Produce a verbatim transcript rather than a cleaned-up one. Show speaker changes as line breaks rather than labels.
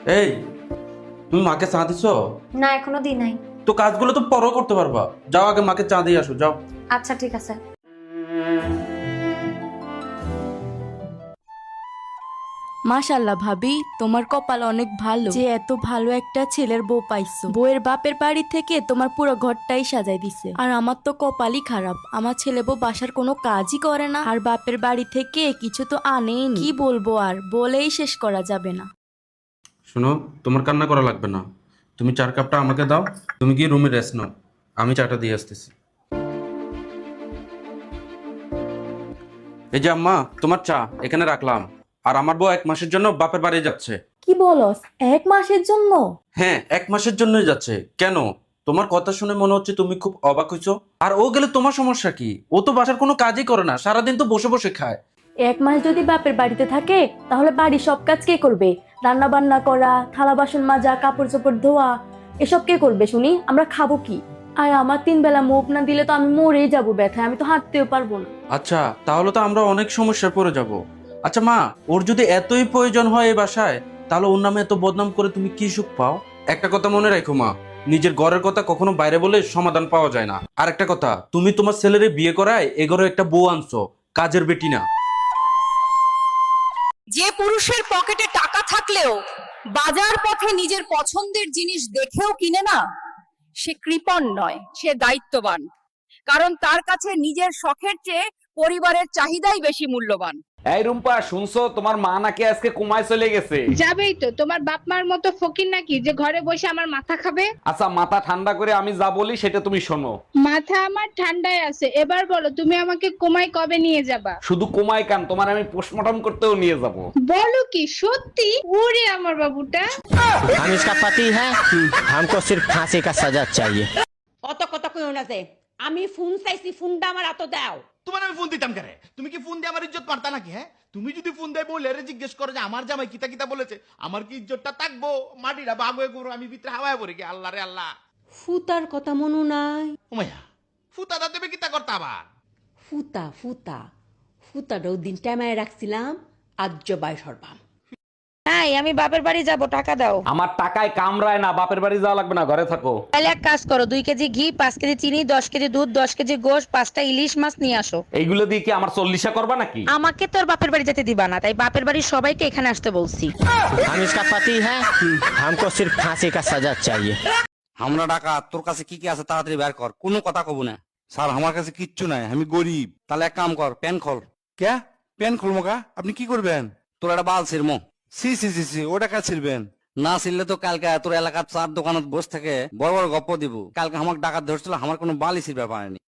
এই, তুমি মাকে চা দিছো?
না, এখনো দিই নাই।
তো কাজগুলো তো পরও করতে পারবা। যাও আগে মাকে চা দিয়ে আসো, যাও।
আচ্ছা ঠিক আছে।
মাশাল্লাহ ভাবি, তোমার কপাল অনেক ভালো যে এত ভালো একটা ছেলের বউ পাইছো। বউয়ের বাপের বাড়ি থেকে তোমার পুরো ঘরটাই সাজাই দিছে। আর আমার তো কপালই খারাপ, আমার ছেলে বউ বাসার কোনো কাজই করে না, আর বাপের বাড়ি থেকে কিছু তো আনেই। কি বলবো আর, বলেই শেষ করা যাবে না।
শোনো, তোমার কান্না করা লাগবে না। তুমি চার কাপটা আমাকে দাও, তুমি গিয়ে রুমে রেস্ট নাও, আমি চাটা দিয়ে আসতেছি। এই যে আম্মা, তোমার চা এখানে রাখলাম। আর আমার বউ এক মাসের জন্য বাপের বাড়ি যাচ্ছে।
কি বলস, এক মাসের জন্য?
হ্যাঁ, এক মাসের জন্যই যাচ্ছে। কেন? তোমার কথা শুনে মনে হচ্ছে তুমি খুব অবাক হইছো। আর ও গেলে তোমার সমস্যা কি? ও তো বাসার কোনো কাজই করে না, সারাদিন তো বসে বসে খায়।
এক মাস যদি বাপের বাড়িতে থাকে তাহলে বাড়ির সব কাজ কে করবে? রান্না বান্না করা, থালা বাসন মাজা, কাপড় চোপড় ধোয়া, এসব কে করবে শুনি? আমরা খাবো কি? আর আমার তিন বেলা মুখ না দিলে তো আমি মরেই যাবো ব্যথায়, আমি তো হাঁটতেও পারবো না।
আচ্ছা, তাহলে তো আমরা অনেক সমস্যায় পড়ে যাব। আচ্ছা মা, ওর যদি এতই প্রয়োজন হয় এই বাসায়, তাহলে ওর নামে এত বদনাম করে তুমি কি সুখ পাও? একটা কথা মনে রাখো মা, নিজের ঘরের কথা কখনো বাইরে বলে সমাধান পাওয়া যায় না। আর একটা কথা, তুমি তোমার ছেলেরে বিয়ে করায় এ ঘরে একটা বউ আনছো, কাজের বেটি না।
যে পুরুষের পকেটে টাকা থাকলেও বাজার পথে নিজের পছন্দের জিনিস দেখেও কিনে না, সে কৃপণ নয়, সে দায়িত্ববান। কারণ তার কাছে নিজের শখের চেয়ে পরিবারের চাহিদাই বেশি মূল্যবান।
এই রুম্পা, শুনছো তোমার মা নাকি আজকে কুমায় চলে গেছে?
যাবেই তো, তোমার বাপ মার মতো ফকির নাকি যে ঘরে বসে আমার মাথা খাবে?
আচ্ছা, মাথা ঠান্ডা করে আমি যা বলি সেটা তুমি শোনো।
মাথা আমার ঠান্ডায় আছে, এবার বলো তুমি আমাকে কোমায় কবে নিয়ে যাবা?
শুধু কুমায় কান, তোমার আমি পোস্টমর্টম করতেও নিয়ে যাব।
বলো কি সত্যি? ওরে আমার বাবুটা।
हम इसका पति है, हमको सिर्फ फांसी का सजा चाहिए।
অত কথা কইও না যে আমি ফোন চাইছি, ফোনটা আমার হাতে দাও।
তোমার আমি ফোন দিতাম কেন? তুমি কি ফোন দিয়ে আমার ইজ্জত মারতা নাকি? হ্যাঁ, তুমি যদি ফোন দেয় বলে জিজ্ঞেস করো যে আমার জামাই কিতা কিতা বলেছে, আমার কি ইজ্জতটা থাকবো? মাটিটা বাগুয়ে করো, আমি ভিতরে হাওয়ায় পড়ে গিয়ে আল্লাহ রে আল্লাহ।
ফুতার কথা মনু নাই?
ওমাইয়া, ফুতাটা দেবে কিতা করতে আবার?
ফুতা ফুতা ফুতাটা ওই দিন টাইমায় রাখছিলাম, আজ্য বাই সরবাম।
হ্যাঁ, আমি বাপের বাড়ি যাব, টাকা দাও।
আমার টাকায় কামড়ায় না, বাপের বাড়ি যাওয়া লাগবে না, ঘরে থাকো।
তাহলে এক কাজ করো, দুই কেজি ঘি, পাঁচ কেজি চিনি, দশ কেজি দুধ, দশ কেজি গোশ, পাঁচটা ইলিশ মাছ নিয়ে আসো।
এইগুলো দিয়ে কি আমার চল্লিশা করবা নাকি?
আমাকে তোর বাপের বাড়ি যেতে দিবা না, তাই বাপের বাড়ির সবাইকে এখানে আসতে বলছি।
हम इसका पति है, हमको सिर्फ फांसी का सजा चाहिए।
আমরা টাকা তোর কাছে কি কি আছে তাড়াতাড়ি বের কর, কোনো কথা কব না। স্যার আমার কাছে কিচ্ছু নাই, আমি গরিব। তাহলে এক কাম কর, প্যান খোল। কে প্যান খোল মোকা? আপনি কি করবেন? তোর একটা বাল ছিড়মো। সি সি সি সি ওটা কাজ ছিড়বেন না? ছিড়লে তো কালকে তোর এলাকার চার দোকানত বসে থেকে বড় বড় গপ্প দিব। কালকে আমার ডাকাত ধরছিল, আমার কোনো বালই ছিড়বে পারেনি।